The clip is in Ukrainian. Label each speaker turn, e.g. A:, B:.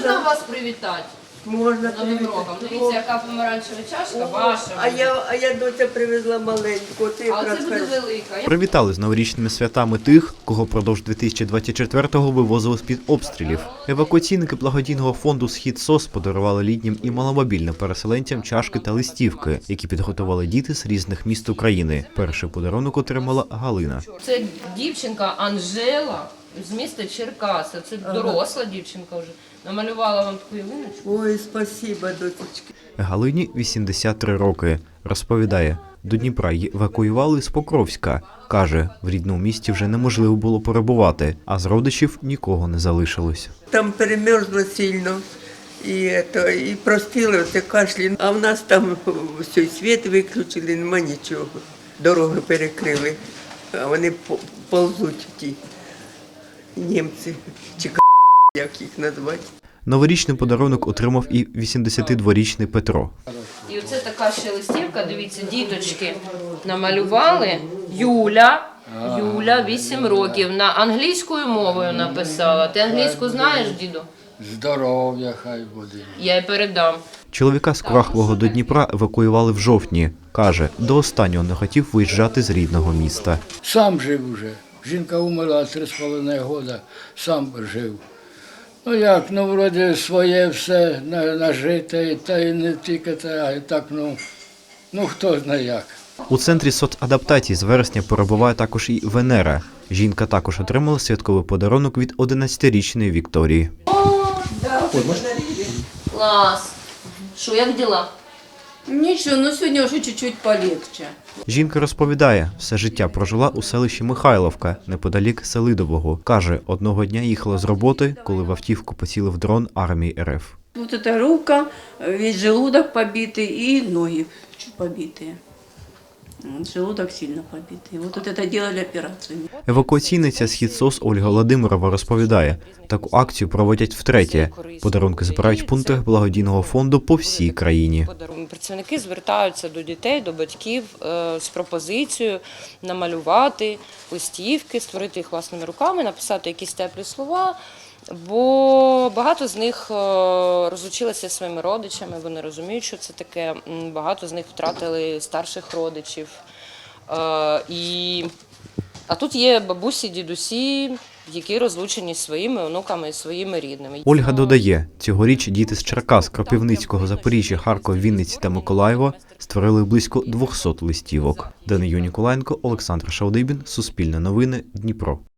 A: Можна вас привітати?
B: Можна
A: Новим роком. Дивіться, яка помаранчева чашка ваша.
B: А я доця привезла маленьку.
A: А це буде велика.
C: Привітали з новорічними святами тих, кого впродовж 2024-го вивозили з-під обстрілів. Евакуаційники благодійного фонду «Схід СОС» подарували літнім і маломобільним переселенцям чашки та листівки, які підготували діти з різних міст України. Перший подарунок отримала Галина.
A: Це дівчинка Анжела з міста Черкаси. Це доросла дівчинка вже. Намалювала вам таку ялиночку.
B: Ой, спасибо, дочечки.
C: Галині 83 роки. Розповідає, до Дніпра її евакуювали з Покровська. Каже, в рідному місті вже неможливо було перебувати, а з родичів нікого не залишилось.
B: Там перемерзло сильно. І простили, оце кашлі. А в нас там все, світ виключили, нема нічого. Дороги перекрили. А вони ползуть ті німці. Чи як їх назвати.
C: Новорічний подарунок отримав і 82-річний Петро.
A: І оце така ще листівка, дивіться, діточки намалювали. Юля, 8 років, на англійською мовою написала. Ти англійську знаєш, діду?
D: Здоров'я хай буде.
A: Я й передам.
C: Чоловіка з Курахового до Дніпра евакуювали в жовтні. Каже, до останнього не хотів виїжджати з рідного міста.
D: Сам жив уже. Жінка умерла 3,5 роки, сам жив. Ну як, ну вроді своє все нажите, та й не тільки те, а й так, ну хто знає як.
C: У центрі соцадаптації з вересня перебуває також і Венера. Жінка також отримала святковий подарунок від 11-річної Вікторії.
A: Клас. Що, як діла?
E: Нічого, ну сьогодні вже чуть-чуть полегче.
C: Жінка розповідає, все життя прожила у селищі Михайловка, неподалік Селидового. Каже, одного дня їхала з роботи, коли в автівку поцілив дрон армії РФ.
E: Вот эта рука, весь желудок побитый и ноги чуть побитые. Вот желудок сильно побитый. Вот это делали операцию.
C: Евакуаційниця «Схід СОС» Ольга Владимирова розповідає, таку акцію проводять втретє. Подарунки збирають в пунктах благодійного фонду по всій країні.
A: Працівники звертаються до дітей, до батьків з пропозицією намалювати листівки, створити їх власними руками, написати якісь теплі слова. Бо багато з них розлучилися зі своїми родичами, вони розуміють, що це таке. Багато з них втратили старших родичів. А тут є бабусі, дідусі, які розлучені зі своїми онуками і своїми рідними.
C: Ольга додає, цьогоріч діти з Черкас, Кропивницького, Запоріжжя, Харкова, Вінниці та Миколаєва створили близько 200 листівок. Данию Ніколаєнко, Олександр Шалдибін, Суспільне новини, Дніпро.